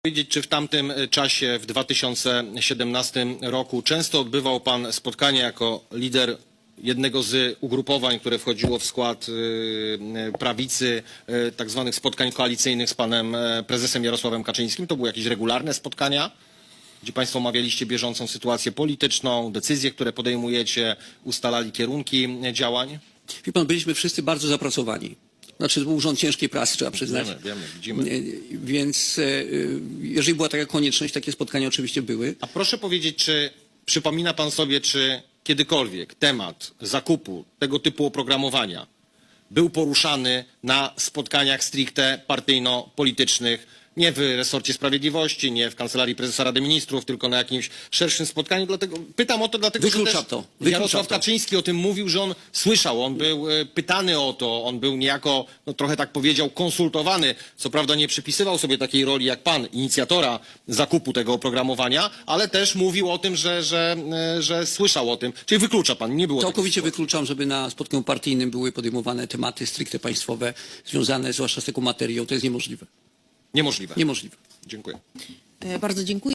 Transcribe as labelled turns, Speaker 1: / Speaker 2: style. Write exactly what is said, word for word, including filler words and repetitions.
Speaker 1: Powiedzieć, czy w tamtym czasie, w dwa tysiące siedemnastym roku, często odbywał pan spotkania jako lider jednego z ugrupowań, które wchodziło w skład prawicy, tak zwanych spotkań koalicyjnych z panem prezesem Jarosławem Kaczyńskim? To były jakieś regularne spotkania, gdzie państwo omawialiście bieżącą sytuację polityczną, decyzje, które podejmujecie, ustalali kierunki działań?
Speaker 2: Wie pan, byliśmy wszyscy bardzo zapracowani. Znaczy, to był urząd ciężkiej pracy, trzeba przyznać.
Speaker 1: Wiemy, wiemy, widzimy.
Speaker 2: Więc jeżeli była taka konieczność, takie spotkania oczywiście były.
Speaker 1: A proszę powiedzieć, czy przypomina pan sobie, czy kiedykolwiek temat zakupu tego typu oprogramowania był poruszany na spotkaniach stricte partyjno-politycznych, nie w resorcie sprawiedliwości, nie w Kancelarii Prezesa Rady Ministrów, tylko na jakimś szerszym spotkaniu? Dlatego pytam o to, dlatego
Speaker 2: Wykluczam
Speaker 1: że też
Speaker 2: to. Wykluczam
Speaker 1: Jarosław
Speaker 2: to.
Speaker 1: Kaczyński o tym mówił, że on słyszał, on był e, pytany o to, on był niejako, no trochę tak powiedział, konsultowany. Co prawda nie przypisywał sobie takiej roli jak pan, inicjatora zakupu tego oprogramowania, ale też mówił o tym, że, że, e, że słyszał o tym. Czyli wyklucza pan, nie było takiej
Speaker 2: Całkowicie
Speaker 1: sytuacji.
Speaker 2: wykluczam, żeby na spotkaniu partyjnym były podejmowane tematy stricte państwowe, związane zwłaszcza z taką materią. To jest niemożliwe.
Speaker 1: Niemożliwe.
Speaker 2: Niemożliwe.
Speaker 1: Dziękuję.
Speaker 3: Bardzo dziękuję.